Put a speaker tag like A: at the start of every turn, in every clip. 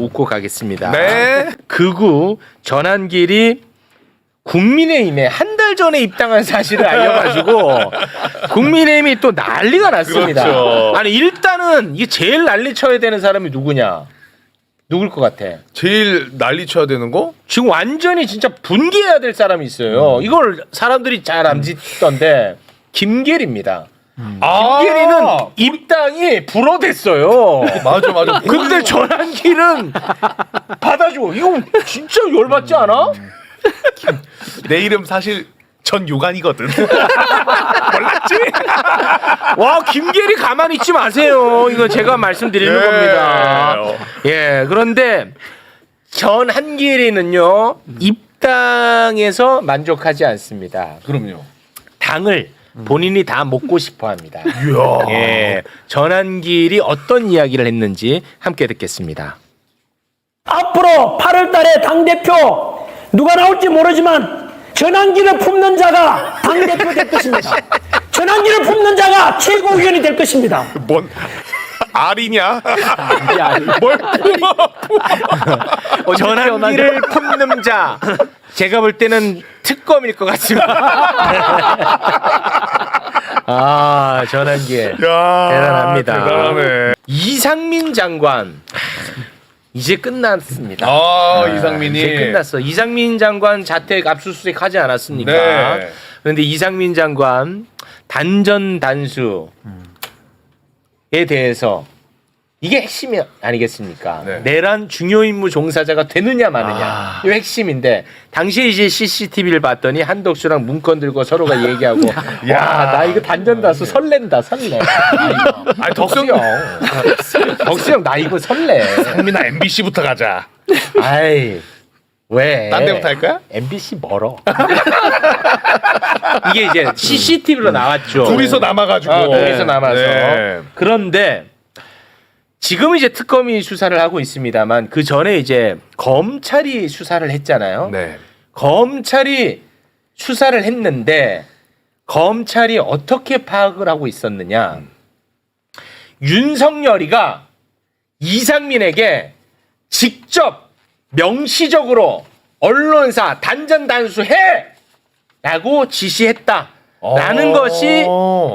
A: 웃고 가겠습니다.
B: 네.
A: 극우 전한길이 국민의힘에 한 달 전에 입당한 사실을 알려가지고 국민의힘이 또 난리가 났습니다.
B: 그렇죠.
A: 아니 일단은 이게 제일 난리 쳐야 되는 사람이 누구냐? 누굴 것 같아?
B: 제일 난리 쳐야 되는 거?
A: 지금 완전히 진짜 분개해야 될 사람이 있어요. 이걸 사람들이 잘 안 짓던데 김계리입니다. 김계리는 입당이 불어댔어요.
B: 맞아.
A: 근데 전한길은 받아줘. 이거 진짜 열받지 않아?
B: 내 이름 사실 전요간이거든. 몰랐지?
A: 와 김계리 가만히 있지 마세요. 이거 제가 말씀드리는
B: 네.
A: 겁니다. 예, 그런데 전한길이는요 입당에서 만족하지 않습니다.
B: 그럼요.
A: 당을 본인이 다 먹고 싶어합니다. 예, 전한길이 어떤 이야기를 했는지 함께 듣겠습니다.
C: 앞으로 8월 달에 당대표 누가 나올지 모르지만 전한길을 품는 자가 당대표 될 것입니다. 전한길을 품는 자가 최고위원이 될 것입니다.
B: 뭔 알이냐? 뭘
A: 전한길을 품는 자 제가 볼 때는 특검일 것 같습니다. 아 전한길 대단합니다.
B: 대단하네.
A: 이상민 장관 이제 끝났습니다.
B: 이상민이
A: 이제 끝났어. 이상민 장관 자택 압수수색 하지 않았습니까?
B: 네.
A: 그런데 이상민 장관 단전 단수에 대해서 이게 핵심이 아니겠습니까?
B: 네.
A: 내란 중요 임무 종사자가 되느냐 마느냐 이 핵심인데 당시에 이제 CCTV를 봤더니 한덕수랑 문건 들고 서로가 얘기하고 야 나 이거 단전 단수 설렌다 설레.
B: 아니
A: 덕수 형 나 이거 설레.
B: 상민아 MBC부터 가자.
A: 아이 왜?
B: 딴 데부터 할까요?
A: MBC 멀어. 이게 이제 CCTV로 나왔죠.
B: 둘이서 남아가지고.
A: 둘이서 남아서.
B: 네.
A: 그런데 지금 이제 특검이 수사를 하고 있습니다만 그 전에 이제 검찰이 수사를 했잖아요.
B: 네.
A: 검찰이 수사를 했는데 검찰이 어떻게 파악을 하고 있었느냐? 윤석열이가 이상민에게 직접 명시적으로 언론사 단전 단수해라고 지시했다라는 것이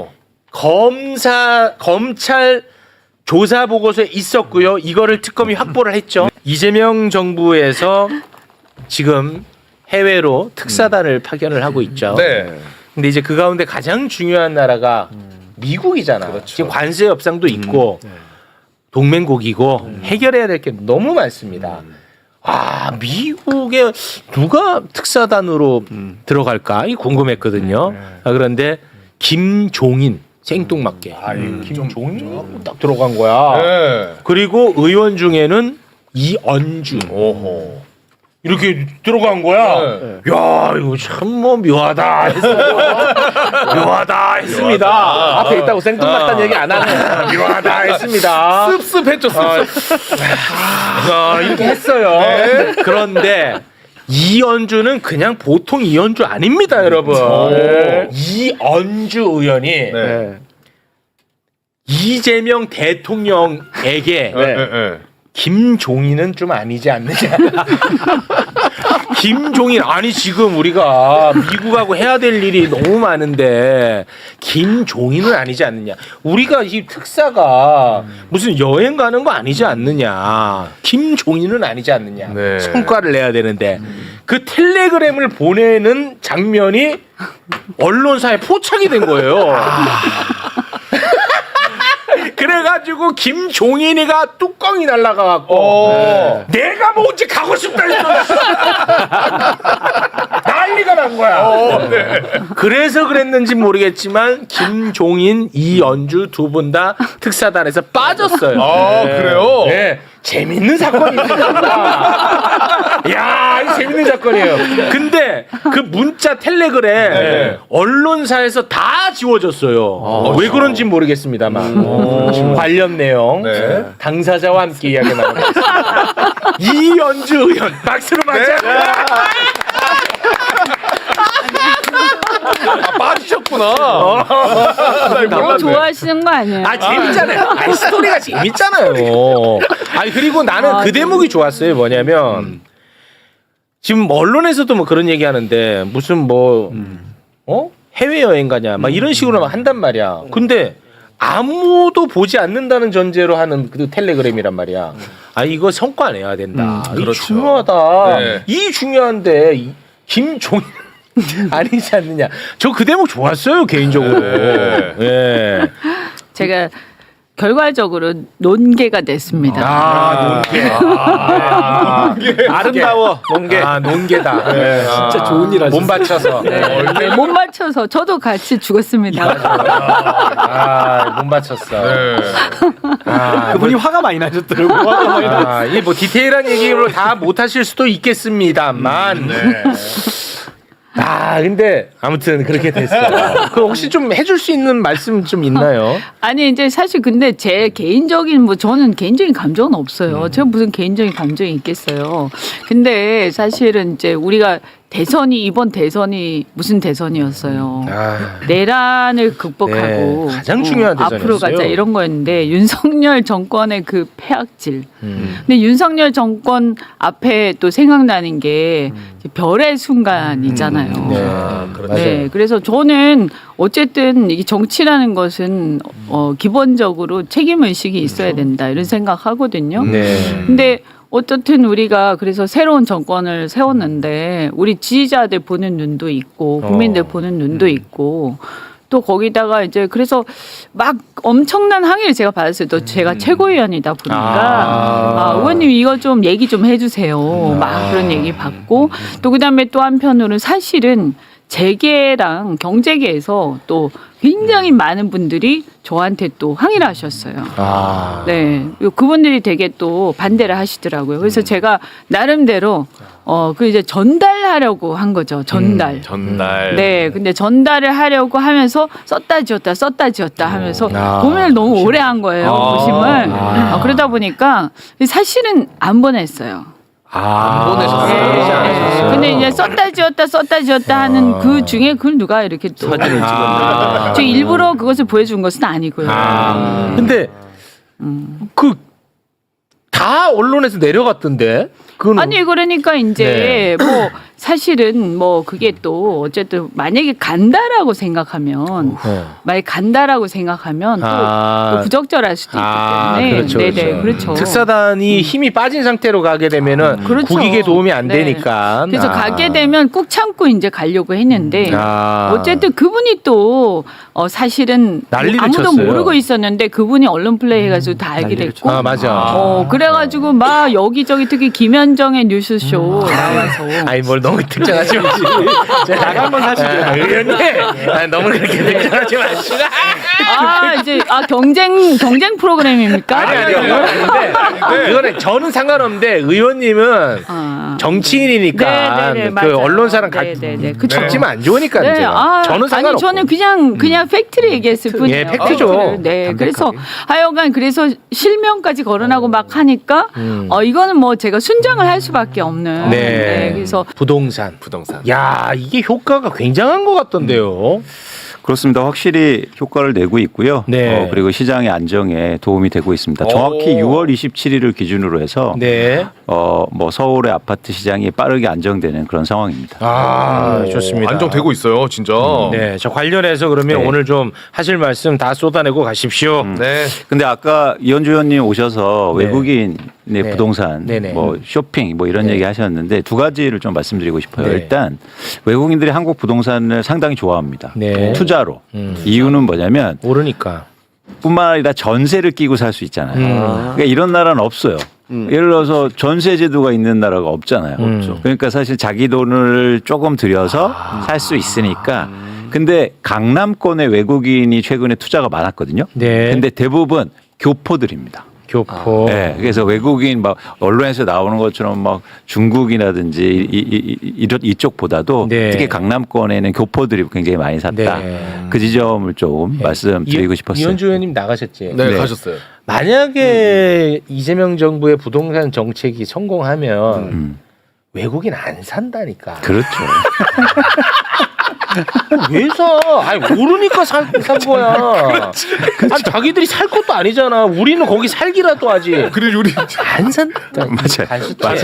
A: 검찰 조사 보고서에 있었고요. 이거를 특검이 확보를 했죠. 이재명 정부에서 지금 해외로 특사단을 파견을 하고 있죠.
B: 네.
A: 근데 이제 그 가운데 가장 중요한 나라가 미국이잖아.
B: 그렇죠.
A: 지금 관세 협상도 있고 동맹국이고 해결해야 될 게 너무 많습니다. 아 미국에 누가 특사단으로 들어갈까 이 궁금했거든요. 아, 그런데 김종인 생뚱맞게 김종인 딱 들어간 거야.
B: 네.
A: 그리고 의원 중에는 이언주
B: 오호.
A: 이렇게 들어간 거야. 야 이거 참 뭐 묘하다 했어요. 묘하다 했습니다. 앞에 있다고 생뚱맞다는 얘기 안 하네. 묘하다 했습니다.
B: 씁씁했죠 씁씁.
A: 이렇게 했어요. 그런데 이언주는 그냥 보통 이언주 아닙니다, 여러분. 이언주 의원이
B: 네.
A: 이재명 대통령에게 김종인은 좀 아니지 않느냐. 김종인 아니 지금 우리가 미국하고 해야 될 일이 너무 많은데 김종인은 아니지 않느냐. 우리가 이 특사가 무슨 여행 가는 거 아니지 않느냐. 김종인은 아니지 않느냐.
B: 네.
A: 성과를 내야 되는데 그 텔레그램을 보내는 장면이 언론사에 포착이 된 거예요. 그래가지고 김종인이가 뚜껑이 날라가갖고 내가 뭐 언제 가고 싶다 했어. 난리가 난 거야. 그래서 그랬는지 모르겠지만 김종인, 이연주 두 분 다 특사단에서 빠졌어요.
B: 그래요?
A: 네. 재밌는 사건입니다. 야, 이 재밌는 사건이에요. 근데 그 문자 텔레그램 언론사에서 다 지워졌어요. 왜 그런지 모르겠습니다만 관련 내용 당사자와 함께 이야기 나누겠습니다. 이연주 의원 박수로 맞아.
B: 빠지셨구나.
D: 너무 좋아하시는 거 아니에요?
A: 아 재밌잖아요. 아 스토리가 재밌잖아요. 아니 그리고 나는 그 대목이 좋았어요. 뭐냐면 지금 언론에서도 뭐 그런 얘기하는데 무슨 뭐 해외 여행 가냐 막 이런 식으로 막 한단 말이야. 근데 아무도 보지 않는다는 전제로 하는 그 텔레그램이란 말이야. 아 이거 성과 내야 된다. 이
B: 그렇죠.
A: 중요하다.
B: 네.
A: 이 중요한데 김종인 아니지 않느냐. 저 그 대목 좋았어요 개인적으로.
B: 네.
A: 예.
D: 제가 결과적으로 논개가 됐습니다.
A: 아름다워 논개. 논개다. 네.
C: 진짜 좋은 일 하셨어요.
A: 몸 바쳐서.
D: 네, 못 맞춰서 저도 같이 죽었습니다.
A: 몸 바쳤어.
B: 네.
C: 그분이 화가 많이 나셨더라고요. 화가 많이 나.
A: 이게 뭐 디테일한 얘기로 다 못하실 수도 있겠습니다만. 근데 아무튼 그렇게 됐어요. 그 혹시 좀 해줄 수 있는 말씀 좀 있나요?
D: 아니 이제 사실 근데 제 개인적인 뭐 저는 개인적인 감정은 없어요. 제가 무슨 개인적인 감정이 있겠어요. 근데 사실은 이제 우리가 이번 대선이 무슨 대선이었어요. 내란을 극복하고
A: 네, 가장 중요한 대선이었어요.
D: 앞으로 가자 이런 거였는데 윤석열 정권의 그 폐악질. 근데 윤석열 정권 앞에 또 생각나는 게 별의 순간이잖아요.
A: 그렇죠.
D: 네, 그래서 저는 어쨌든 이 정치라는 것은 기본적으로 책임 의식이 있어야 된다 이런 생각하거든요.
A: 네.
D: 근데 어떻든 우리가 그래서 새로운 정권을 세웠는데 우리 지지자들 보는 눈도 있고 국민들 보는 눈도 있고 또 거기다가 이제 그래서 막 엄청난 항의를 제가 받았어요. 또 제가 최고위원이다 보니까 의원님 이거 좀 얘기 좀 해주세요. 막 그런 얘기 받고 또 그다음에 또 한편으로는 사실은 재계랑 경제계에서 또 굉장히 많은 분들이 저한테 또 항의를 하셨어요. 네, 그분들이 되게 또 반대를 하시더라고요. 그래서 제가 나름대로 그 이제 전달하려고 한 거죠. 전달.
B: 전달.
D: 네, 근데 전달을 하려고 하면서 썼다 지웠다 하면서 고민을 너무 오래 한 거예요. 고심을. 그러다 보니까 사실은 안 보냈어요.
B: 안 보내셨어요.
D: 근데 이제 썼다 지웠다 하는 그 중에 그걸 누가 이렇게 또 사진을 찍었나? 저 일부러 그것을 보여준 것은 아니고요.
A: 근데 그 다 언론에서 내려갔던데. 그거는
D: 아니 그러니까 이제 뭐 사실은 뭐 그게 또 어쨌든 만약에 간다라고 생각하면 만약 간다라고 생각하면 또 부적절할 수도 있기 때문에
A: 그렇죠,
D: 네네 그렇죠.
A: 특사단이 힘이 빠진 상태로 가게 되면은
D: 그렇죠.
A: 국익에 도움이 안
D: 네.
A: 되니까.
D: 그래서 가게 되면 꾹 참고 이제 가려고 했는데
A: 아.
D: 어쨌든 그분이 또 사실은
A: 난리를
D: 아무도
A: 쳤어요.
D: 모르고 있었는데 그분이 언론 플레이 해가지고 다 알게 됐고
A: 맞아.
D: 그래가지고 막 여기저기 특히 김현정의 뉴스쇼 나와서
A: 아니 뭘 너무 특정하지 마시고 나간 건 사실이에요. 의원님 너무 그렇게 특정하지 마시고.
D: 이제 경쟁 프로그램입니까?
A: 아니 근데 그거는 저는 상관없는데 의원님은 정치인이니까
D: 네네네,
A: 그
D: 맞아요.
A: 언론사랑
D: 네네네,
A: 같이 섞지면 안 좋으니까
D: 네,
A: 문제가. 저는 상관없고.
D: 아니 저는 그냥 팩트를 얘기했을 뿐이에요.
A: 예, 팩트죠.
D: 팩트를. 네, 그래서 하여간 그래서 실명까지 거론하고 막 하니까 이거는 뭐 제가 순정을 할 수밖에 없는.
A: 네.
D: 그래서
B: 부동산.
A: 야 이게 효과가 굉장한 것 같던데요.
E: 그렇습니다. 확실히 효과를 내고 있고요.
A: 네.
E: 그리고 시장의 안정에 도움이 되고 있습니다. 정확히 6월 27일을 기준으로 해서
A: 네.
E: 뭐 서울의 아파트 시장이 빠르게 안정되는 그런 상황입니다.
A: 좋습니다.
B: 안정되고 있어요, 진짜.
A: 네, 저 관련해서 그러면
E: 네.
A: 오늘 좀 하실 말씀 다 쏟아내고 가십시오.
B: 네.
E: 근데 아까 이현주 의원님 오셔서
A: 네.
E: 외국인의
A: 네.
E: 부동산,
A: 네네.
E: 뭐 쇼핑 뭐 이런 얘기 하셨는데 두 가지를 좀 말씀드리고 싶어요.
A: 네.
E: 일단 외국인들이 한국 부동산을 상당히 좋아합니다.
A: 네.
E: 투자로. 이유는 뭐냐면
A: 모르니까.
E: 뿐만 아니라 전세를 끼고 살 수 있잖아요. 그러니까 이런 나라는 없어요. 예를 들어서 전세 제도가 있는 나라가 없잖아요. 그러니까 사실 자기 돈을 조금 들여서 살 수 있으니까. 근데 강남권에 외국인이 최근에 투자가 많았거든요.
A: 네.
E: 근데 대부분 교포들입니다.
A: 교포.
E: 네, 그래서 외국인 막 언론에서 나오는 것처럼 막 중국이라든지 이쪽보다도
A: 네.
E: 특히 강남권에는 교포들이 굉장히 많이 샀다.
A: 네.
E: 그 지점을 좀 말씀드리고 싶었어요.
A: 이현주 의원님 나가셨지.
B: 네,
E: 네.
B: 가셨어요.
A: 만약에 이재명 정부의 부동산 정책이 성공하면 외국인 안 산다니까.
E: 그렇죠.
A: 왜 사? 아니 모르니까 산 거야. 아니 자기들이 살 것도 아니잖아. 우리는 거기 살기라도 하지.
B: 그래 우리
A: 안 산다.
E: 맞아요.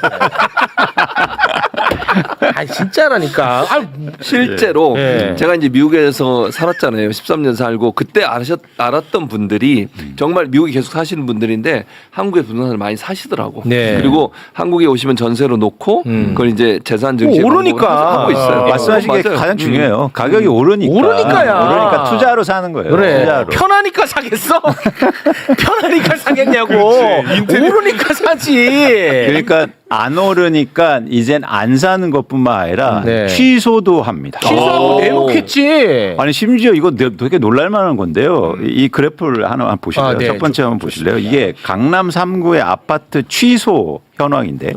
A: 아 진짜라니까. 아,
F: 실제로
A: 네.
F: 제가 이제 미국에서 살았잖아요. 13년 살고 그때 알았던 분들이 정말 미국에 계속 사시는 분들인데 한국에 부동산을 많이 사시더라고.
A: 네.
F: 그리고 한국에 오시면 전세로 놓고 그걸 이제 재산 증시
A: 오르니까.
F: 하고 있어요.
E: 말씀하신 게
F: 맞아요.
E: 가장 중요해요. 가격이 오르니까.
A: 오르니까야.
E: 오르니까 투자로 사는 거예요.
A: 그래.
E: 투자로.
A: 편하니까 사겠어? 편하니까 사겠냐고. 오르니까 사지.
E: 그러니까 안 오르니까 이젠 안 사는 것뿐만 아니라
A: 네.
E: 취소도 합니다.
A: 취소하고 내놓겠지.
E: 아니 심지어 이거 되게 놀랄만한 건데요. 이 그래프를 하나 보실래요?
A: 아, 네.
E: 첫 번째 한번 보실래요? 이게 강남 3구의 아파트 취소 현황인데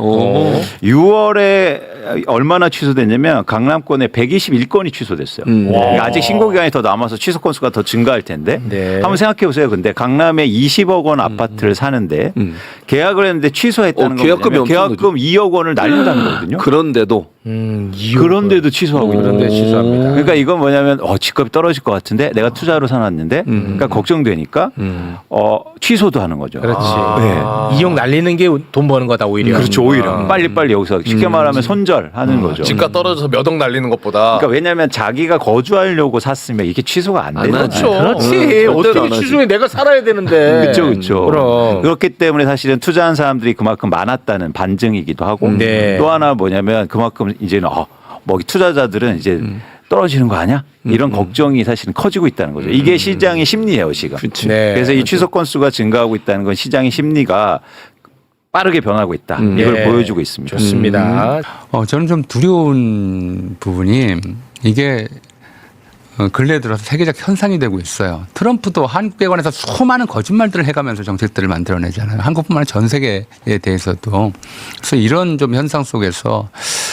E: 6월에 얼마나 취소됐냐면 강남권에 121건이 취소됐어요. 그러니까 아직 신고 기간이 더 남아서 취소 건수가 더 증가할 텐데
A: 네.
E: 한번 생각해 보세요. 근데 강남에 20억 원 아파트를 사는데 계약을 했는데 취소했다는 건
F: 계약금이
E: 뭐냐면
F: 엄청
E: 계약금 2억 원을 날린다는 거거든요.
F: 그런데도
E: 그런데도 취소하고 있는
A: 그런데
E: 거예요.
A: 취소합니다.
E: 그러니까 이건 뭐냐면 집값이 떨어질 것 같은데 내가 투자로 사놨는데 그러니까 걱정되니까 취소도 하는 거죠.
A: 그렇지.
E: 네.
A: 2억 날리는 게 돈 버는 거다 오히려.
E: 그렇죠. 오히려 빨리빨리 여기서 쉽게 말하면 손절하는 거죠.
B: 집값 떨어져서 몇 억 날리는 것보다
E: 그러니까 왜냐하면 자기가 거주하려고 샀으면 이게 취소가 안 되잖아요.
F: 하죠.
A: 그렇지.
F: 절대로
A: 어떻게
F: 안 하지.
A: 취소해? 내가 살아야 되는데.
E: 그렇죠, 그렇죠.
A: 그럼.
E: 그렇기 때문에 사실은 투자한 사람들이 그만큼 많았다는 반증이기도 하고
A: 네.
E: 또 하나 뭐냐면 그만큼 이제는 뭐 투자자들은 이제 떨어지는 거 아니야? 이런 걱정이 사실은 커지고 있다는 거죠. 이게 시장의 심리예요, 지금.
A: 네.
E: 그래서 이 취소 건수가 증가하고 있다는 건 시장의 심리가 빠르게 변하고 있다. 이걸
A: 네.
E: 보여주고 있습니다.
A: 좋습니다.
G: 저는 좀 두려운 부분이 이게 근래에 들어서 세계적 현상이 되고 있어요. 트럼프도 한국에 관해서 수많은 거짓말들을 해가면서 정책들을 만들어내잖아요. 한국뿐만 아니라 전 세계에 대해서도. 그래서 이런 좀 현상 속에서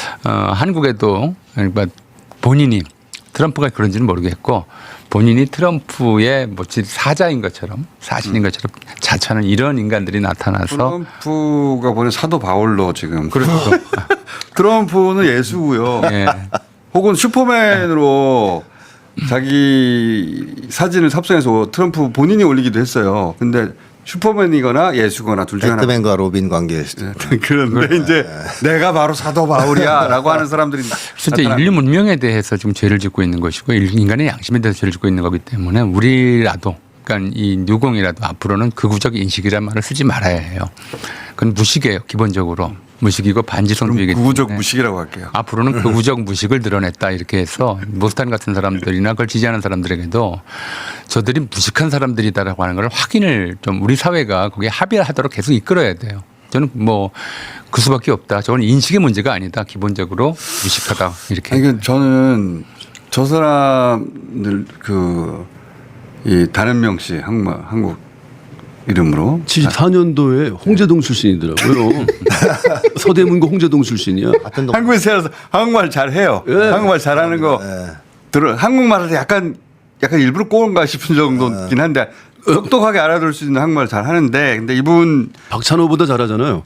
G: 한국에도 그러니까 본인이 트럼프가 그런지는 모르겠고 본인이 트럼프의 뭐 사자인 것처럼 사신인 것처럼 자처하는 이런 인간들이 나타나서
H: 트럼프가 보낸 사도 바울로 지금.
G: 그렇죠.
H: 트럼프는 예수고요.
G: 예.
H: 혹은 슈퍼맨으로 자기 사진을 삽성해서 트럼프 본인이 올리기도 했어요. 근데 슈퍼맨이거나 예수거나 둘 중에 하나.
I: 배트맨과 로빈 관계였죠.
H: 그런데 이제 내가 바로 사도 바울이야라고 하는 사람들이
G: 그래서 이제 인류 문명에 대해서 지금 죄를 짓고 있는 것이고 인간의 양심에 대해서 죄를 짓고 있는 거기 때문에 우리라도 그러니까 이 유공이라도 앞으로는 극우적 인식이란 말을 쓰지 말아야 해요. 그건 무식이에요. 기본적으로. 무식이고 반지성주의이기 때문에.
H: 구구적 무식이라고 할게요.
G: 앞으로는 극우적 무식을 드러냈다 이렇게 해서 모스탄 같은 사람들이나 그걸 지지하는 사람들에게도 저들이 무식한 사람들이다라고 하는 걸 확인을 좀 우리 사회가 거기에 합의하도록 계속 이끌어야 돼요. 저는 뭐 그 수밖에 없다. 저건 인식의 문제가 아니다. 기본적으로 무식하다 이렇게.
H: 아니, 그러니까 저는 저 사람들 이 단현명 씨 한국 이름으로
J: 74년도에 홍제동 출신이더라고요. 서대문고 홍제동 출신이야.
H: 한국에 살아서 한국말 잘해요. 한국말 잘하는 거 들어. 한국말을 약간 일부러 꼬은가 싶은 정도긴 한데 똑똑하게 알아들을 수 있는 한국말 잘 하는데 근데 이분
J: 박찬호보다 잘하잖아요.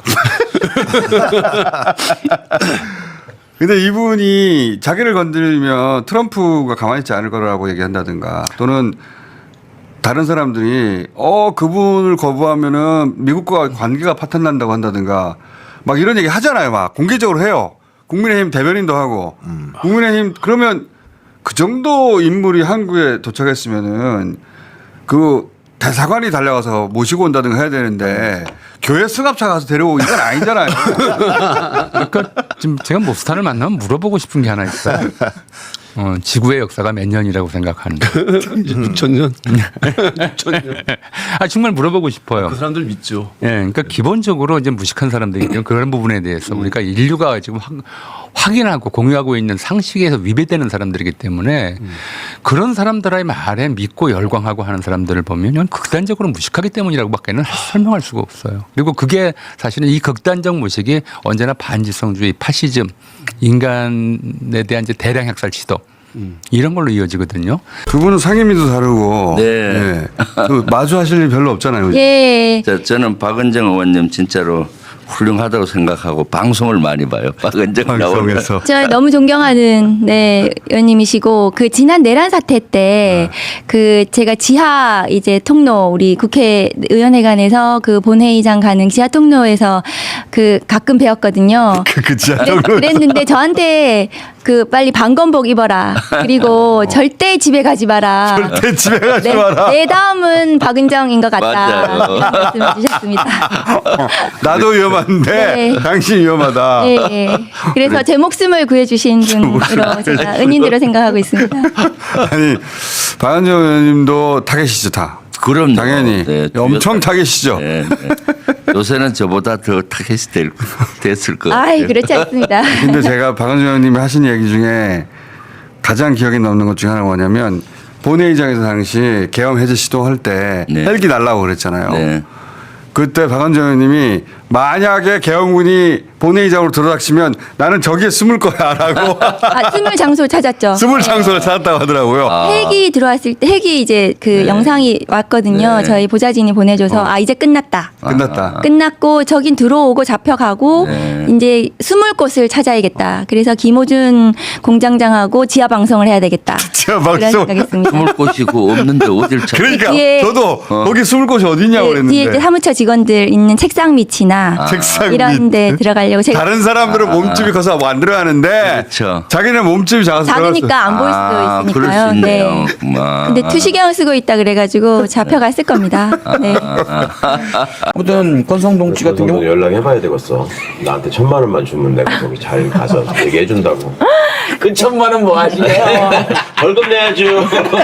H: 근데 이분이 자기를 건드리면 트럼프가 가만히 있지 않을 거라고 얘기한다든가 또는 다른 사람들이 그분을 거부하면은 미국과 관계가 파탄난다고 한다든가 막 이런 얘기 하잖아요. 막 공개적으로 해요. 국민의힘 대변인도 하고 국민의힘 그러면 그 정도 인물이 한국에 도착했으면은 그 대사관이 달려가서 모시고 온다든가 해야 되는데 교회 승합차 가서 데려오고 이건 아니잖아요.
G: 그러니까 지금 제가 모스탄을 만나면 물어보고 싶은 게 하나 있어요. 지구의 역사가 몇 년이라고 생각하는데.
J: 6,000년? 6,000년.
G: 정말 물어보고 싶어요.
J: 그 사람들 믿죠.
G: 예, 그러니까 기본적으로 이제 무식한 사람들이 그런 부분에 대해서 우리가 인류가 지금 확인하고 공유하고 있는 상식에서 위배되는 사람들이기 때문에 그런 사람들의 말에 믿고 열광하고 하는 사람들을 보면 이건 극단적으로 무식하기 때문이라고밖에는 설명할 수가 없어요. 그리고 그게 사실은 이 극단적 무식이 언제나 반지성주의, 파시즘, 인간에 대한 이제 대량 학살 시도 이런 걸로 이어지거든요.
H: 두 분은 상임위도 다르고 그 마주하실 일 별로 없잖아요.
K: 예. 저는 박은정 의원님 진짜로
I: 훌륭하다고 생각하고 방송을 많이 봐요. 박은정 나오면.
H: 방송에서.
K: 저 너무 존경하는 의원님이시고 그 지난 내란 사태 때 그 제가 지하 이제 통로 우리 국회의원회관에서 그 본회의장 가는 지하 통로에서 그 가끔 배웠거든요.
H: 그 지하
K: 그랬는데 저한테 그 빨리 방검복 입어라. 그리고 절대 집에 가지 마라.
H: 절대 집에 가지 마라.
K: 내 다음은 박은정인 것 같다.
I: 맞아요.
K: 이런 말씀을 주셨습니다.
H: 나도 위험한데
K: 네.
H: 당신 위험하다.
K: 예, 예. 그래서 제 목숨을 구해주신 분으로 제가 은인으로 생각하고 있습니다.
H: 아니 박은정 의원님도 타겟이죠 다.
I: 그럼
H: 당연히 엄청 타겟이죠.
I: 네, 네. 요새는 저보다 더 타겟이 됐을 것 같아요.
K: 아이, 그렇지 않습니다.
H: 근데 제가 박은정 의원님이 하신 얘기 중에 가장 기억에 남는 것 중에 하나가 뭐냐면 본회의장에서 당시 계엄 해제 시도할 때
I: 네.
H: 헬기 날라고 그랬잖아요.
I: 네.
H: 그때 박은정 의원님이 만약에 계엄군이 본회의장으로 들어닥치면 나는 저기에 숨을 거야라고
K: 숨을 장소 찾았죠.
H: 숨을 장소를 찾았다고 하더라고요.
K: 헬기 들어왔을 때 헬기 이제 그 영상이 왔거든요.
I: 네.
K: 저희 보좌진이 보내줘서 이제 끝났다.
H: 끝났다.
K: 끝났고 저긴 들어오고 잡혀가고
I: 네.
K: 이제 숨을 곳을 찾아야겠다. 그래서 김호준 공장장하고 지하 방송을 해야 되겠다.
H: 지하
K: 그런
H: 방송.
K: 생각했습니다.
I: 숨을 곳이 그 없는데 어딜 찾아?
H: 그러니까
K: 뒤에-
H: 저도 거기 숨을 곳이 어디냐고
K: 그 뒤에 이제
H: 그랬는데
K: 사무처 직원들 있는 책상 밑이나
H: 책상
K: 이런
H: 밑.
K: 데 들어가려고 제가
H: 다른 사람들은 몸집이 커서 안 들어가는데
I: 그렇죠.
H: 자기는 몸집이 작아서
K: 작으니까 안 보일 수도
I: 그럴
K: 있으니까요.
I: 수 있네요.
K: 네.
I: 그만.
K: 근데 투시경 쓰고 있다 그래가지고 잡혀갔을 겁니다. 네.
L: 아무튼 권성동 씨 같은 경우
M: 연락해봐야 되겠어. 나한테 1,000만 원만 주면 내가 거기 잘 가서 얘기해준다고.
A: 그 1,000만 원 뭐 하시게요?
M: 벌금 내야죠.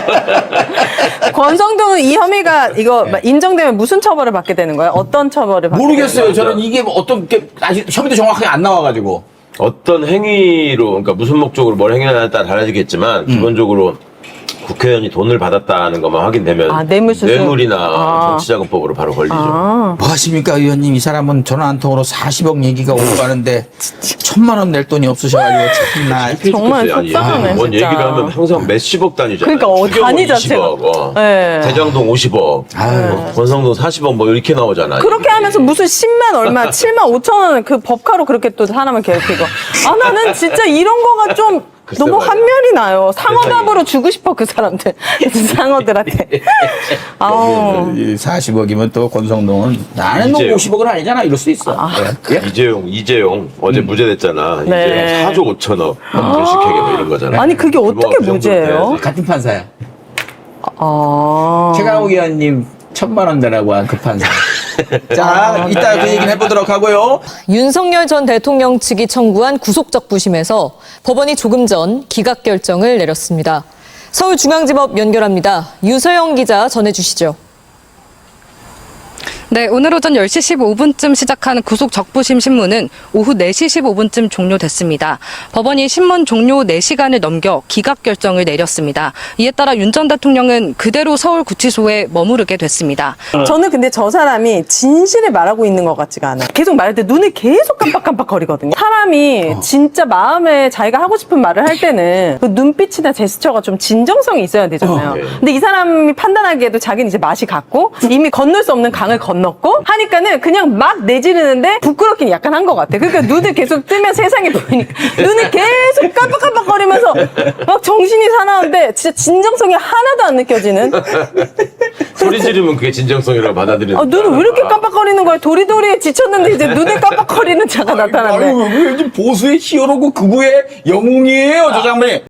N: 권성동은 이 혐의가 이거 인정되면 무슨 처벌을 받게 되는 거예요? 어떤 처벌을 받게
A: 모르겠어요.
N: 되는 거예요?
A: 저는 이게 어떤 게 아직 혐의도 정확하게 안 나와가지고.
M: 어떤 행위로, 그러니까 무슨 목적으로 뭘 행위하냐에 따라 달라지겠지만 기본적으로 국회의원이 돈을 받았다는 것만 확인되면
N: 뇌물수수.
M: 뇌물이나 정치자금법으로 바로 걸리죠.
L: 뭐 하십니까 의원님? 이 사람은 전화 한 통으로 40억 얘기가 오고 가는데 1,000만 원 낼 돈이 없으셔가지고 참나.
N: 정말 속상하네,
M: 뭔
N: 진짜.
M: 얘기를 하면 항상 몇십억 단위잖아요.
N: 그러니까
M: 추경은
N: 단위 자체가.
M: 20억,
N: 네.
M: 대장동 50억, 권성동 40억 뭐 이렇게 나오잖아요.
N: 그렇게 하면서 무슨 10만 얼마, 7만 5천 원 그 법카로 그렇게 또 사람을 괴롭히고. 나는 진짜 이런 거가 좀
M: 글쎄
N: 너무
M: 말이야.
N: 한면이 나요. 상어답으로 주고 싶어 그 사람들. 상어들한테. 아우.
L: 40억이면 또 권성동은 나는 뭐
M: 이제요.
L: 50억은 아니잖아 이럴 수 있어. 예?
M: 이재용 어제 무죄됐잖아.
N: 네.
M: 이재용 4조 5천억 불식회계 뭐 이런 거잖아.
N: 아니 그게 어떻게
M: 규모가 그 정도는
N: 무죄예요?
M: 돼야지.
L: 같은 판사야. 최강욱 의원님 1,000만 원 내라고 한 그 판사. 자, 이따 그 얘기는 해보도록 하고요.
O: 윤석열 전 대통령 측이 청구한 구속적 부심에서 법원이 조금 전 기각 결정을 내렸습니다. 서울중앙지법 연결합니다. 유서영 기자 전해주시죠.
P: 네, 오늘 오전 10시 15분쯤 시작한 구속 적부심 신문은 오후 4시 15분쯤 종료됐습니다. 법원이 신문 종료 4시간을 넘겨 기각 결정을 내렸습니다. 이에 따라 윤 전 대통령은 그대로 서울구치소에 머무르게 됐습니다.
N: 저는 근데 저 사람이 진실을 말하고 있는 것 같지가 않아요. 계속 말할 때 눈을 계속 깜빡깜빡 거리거든요. 사람이 진짜 마음에 자기가 하고 싶은 말을 할 때는 그 눈빛이나 제스처가 좀 진정성이 있어야 되잖아요. 근데 이 사람이 판단하기에도 자기는 이제 맛이 갔고 이미 건널 수 없는 강을 건넜고 하니까는 그냥 막 내지르는데 부끄럽긴 약간 한 것 같아. 그러니까 눈을 계속 뜨면 세상이 보이니까 눈을 계속 깜빡깜빡 거리면서 막 정신이 사나운데 진짜 진정성이 하나도 안 느껴지는.
M: 소리 지르면 그게 진정성이라고 받아들이는.
N: 눈을 왜 이렇게 깜빡거리는 거야? 도리도리에 지쳤는데 이제 눈에 깜빡거리는 자가 나타났네.
L: 아유, 보수의 히어로고 극우의 영웅이에요, 저 장면이.